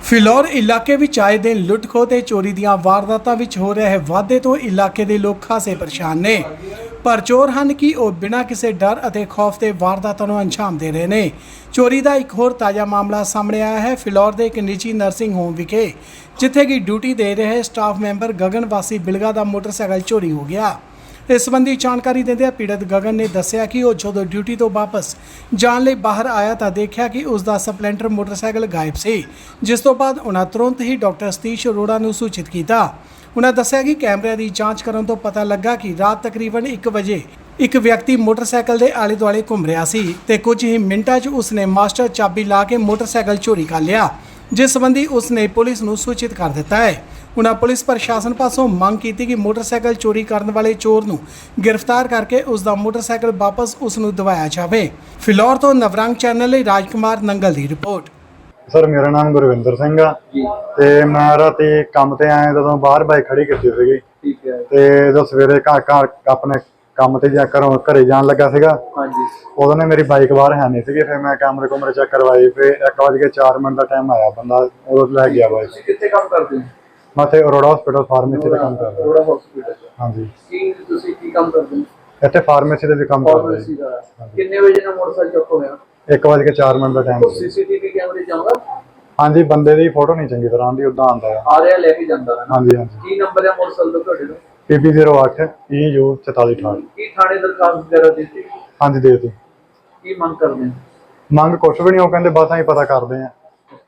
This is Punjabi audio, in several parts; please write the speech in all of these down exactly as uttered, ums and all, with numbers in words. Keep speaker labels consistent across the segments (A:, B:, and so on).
A: ਫਿਲੌਰ ਇਲਾਕੇ ਵਿੱਚ ਆਏ ਦਿਨ ਲੁੱਟ ਖੋਹ ਤੇ ਚੋਰੀ ਦੀਆਂ ਵਾਰਦਾਤਾਂ ਵਿੱਚ ਹੋ ਰਹੇ ਵਾਧੇ ਤੋਂ ਇਲਾਕੇ ਦੇ ਲੋਕ ਖਾਸੇ ਪਰੇਸ਼ਾਨ ਨੇ। ਪਰ ਚੋਰ ਹਨ ਕਿ ਉਹ ਬਿਨਾਂ ਕਿਸੇ ਡਰ ਅਤੇ ਖੌਫ ਦੇ ਵਾਰਦਾਤਾਂ ਨੂੰ ਅੰਜਾਮ ਦੇ ਰਹੇ ਨੇ। ਚੋਰੀ ਦਾ ਇੱਕ ਹੋਰ ਤਾਜ਼ਾ ਮਾਮਲਾ ਸਾਹਮਣੇ ਆਇਆ ਹੈ ਫਿਲੌਰ ਦੇ ਇੱਕ ਨਿੱਜੀ ਨਰਸਿੰਗ ਹੋਮ ਵਿਖੇ, ਜਿੱਥੇ ਕਿ ਡਿਊਟੀ ਦੇ ਰਹੇ ਸਟਾਫ ਮੈਂਬਰ ਗਗਨ ਵਾਸੀ ਬਿਲਗਾ ਦਾ ਮੋਟਰਸਾਈਕਲ ਚੋਰੀ ਹੋ ਗਿਆ। इस संबंधी जानकारी देंदे पीड़ित गगन ने दस्सिया कि वो जो ड्यूटी तो वापस जाने लई बाहर आया तो देखा कि उसका स्पलेंडर मोटरसाइकिल गायब सी, जिस तो बाद उन्हें तुरंत ही डॉक्टर सतीश अरोड़ा नूं सूचित किया। उन्हें दस्सिया कि कैमरे की जांच करन तो पता लगा कि रात तकरीबन एक बजे एक व्यक्ति मोटरसाइकिल के आले दुआले घूम रहा सी ते कुछ ही मिनटां 'च उसने मास्टर चाबी ला के मोटरसाइकिल चोरी कर लिया, जिस संबंधी उसने पुलिस नूं सूचित कर दिता है। उन्होंने पुलिस प्रशासन पासों मंग की कि मोटरसाइकिल चोरी करने वाले चोर नूं गिरफ्तार करके उसका मोटरसाइकिल वापस उसनूं दिवाया जाए। फिलौर तो नवरंग चैनल ਲਈ राजकुमार नंगल की रिपोर्ट।
B: सर मेरा नाम गुरविंदर सिंह आ ते मैं राती काम ते आया जदों बाहर बाइक खड़ी कीती सीगी ठीक है ते जो सवेरे घर घर अपने काम ते जा घरों घरे जान लगा सीगा हां जी उदों ने मेरी बाइक बाहर है नहीं सीगी। फिर मैं कैमरे कुमरे चेक करवाई, फिर एक बज के चार मिनट का टाइम आया बंदा उदों ले गया बाइक। कित्थे काम करदे हो? मैं इत्थे अरोड़ा हॉस्पिटल फार्मेसी ਦਾ ਕੰਮ ਕਰਦਾ। ਅਰੋੜਾ ਹਸਪੀਟਲ ਹਾਂਜੀ। ਕੀ ਤੁਸੀਂ ਕੀ ਕੰਮ ਕਰਦੇ ਹੋ? ਇੱਥੇ ਫਾਰਮੇਸੀ ਦੇ ਵੀ ਕੰਮ ਕਰਦੇ ਹਾਂ। ਫਾਰਮੇਸੀ ਦਾ ਕਿੰਨੇ ਵਜੇ ਨਾਲ ਮੋਟਰਸਾਈਕਲ ਚੁੱਕ ਹੋਇਆ? ਇੱਕ ਵਜੇ ਕੇ ਚਾਰ ਮਿੰਟ ਦਾ ਟਾਈਮ ਸੀ। ਸੀਸੀਟੀਵੀ ਕੈਮਰੇ ਜਾਊਗਾ? ਹਾਂਜੀ, ਬੰਦੇ ਦੀ ਫੋਟੋ ਨਹੀਂ ਚੰਗੀ ਤਰ੍ਹਾਂ ਆਉਂਦੀ, ਉਦਾਂ ਆਉਂਦਾ ਹੈ। ਆ ਰਿਹਾ ਲੈ ਕੇ ਜਾਂਦਾ ਹੈ। ਹਾਂਜੀ ਹਾਂਜੀ। ਕੀ ਨੰਬਰ ਹੈ ਮੋਟਰਸਾਈਕਲ ਦਾ ਤੁਹਾਡੇ ਦਾ? ਪੀ ਪੀ ਜ਼ੀਰੋ ਅੱਠ ਈ ਯੂ ਚੁਤਾਲੀ ਅਠਾਹਠ। ਕੀ ਥਾਣੇ ਦਰਖਾਸਤ ਵਗੈਰਾ ਦਿੱਤੀ? ਹਾਂਜੀ ਦੇ ਦਿੱਤੀ। ਕੀ ਮੰਗ ਕਰਦੇ ਹੋ? ਮੰਗ ਕੁਛ ਵੀ ਨਹੀਂ, ਉਹ ਕਹਿੰਦੇ ਬਸ ਅਸੀਂ ਪਤਾ ਕਰਦੇ ਹਾਂ।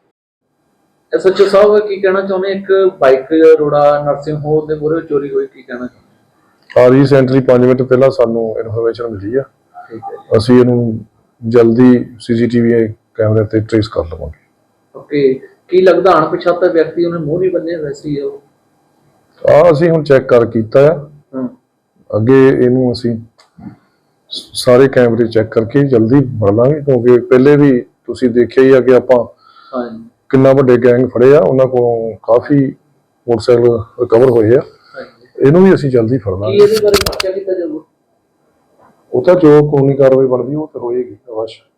C: एसएचओ साहब की कहना चाहते एक बाइक अरोड़ा नर्सिंग होम ਦੇ ਮੂਹਰੇ ਚੋਰੀ ਹੋਈ, ਕੀ ਕਹਿਣਾ ਚਾਹੁੰਦੇ?
D: ਆ ਰੀਸੈਂਟਲੀ ਪੰਜ ਮਿੰਟ ਪਹਿਲਾਂ ਸਾਨੂੰ ਇਨਫੋਰਮੇਸ਼ਨ ਮਿਲੀ ਆ।
C: ਠੀਕ ਹੈ,
D: ਅਸੀਂ ਇਹਨੂੰ ਜਲਦੀ ਸੀਸੀਟੀਵੀ ਕੈਮਰੇ ਤੇ ਟ੍ਰੇਸ ਕਰ ਲਵਾਂਗੇ।
C: ਓਕੇ, ਕੀ ਲੱਗਦਾ ਅਣਪਛਾਤਾ ਵਿਅਕਤੀ ਉਹਨੇ ਮੂੰਹ ਨਹੀਂ ਬੰਨਿਆ ਵੈਸੇ ਹੀ ਉਹ
D: ਆ ਅਸੀਂ ਹੁਣ ਚੈੱਕ ਕਰ ਕੀਤਾ ਆ।
C: ਹਾਂ, ਅੱਗੇ
D: ਇਹਨੂੰ ਅਸੀਂ ਸਾਰੇ ਕੈਮਰੇ ਚੈੱਕ ਕਰਕੇ ਜਲਦੀ ਫੜ ਲਾਂਗੇ, ਕਿਉਂਕਿ ਪਹਿਲੇ ਵੀ ਤੁਸੀਂ ਦੇਖਿਆ ਹੀ ਆ ਕਿ ਆਪਾਂ
C: ਹਾਂ
D: ਕਿੰਨਾ ਵੱਡੇ ਗੈਂਗ ਫੜੇ ਆ, ਉਹਨਾਂ ਕੋਲੋਂ ਕਾਫੀ ਮੋਟਰਸਾਈਕਲ ਰਿਕਵਰ ਹੋਏ ਆ। ਇਹਨੂੰ ਵੀ ਅਸੀਂ ਜਲਦੀ ਫੜ ਲਾਂਗੇ।
C: ਇਹਦੇ ਬਾਰੇ ਪੁੱਛਿਆ ਕੀਤਾ ਜਾਊਗਾ?
D: ਉਹ ਤਾਂ ਜੋ ਕਾਨੂੰਨੀ ਕਾਰਵਾਈ ਬਣਦੀ ਉਹ ਤਾਂ ਹੋਏਗੀ ਅਵਸ਼।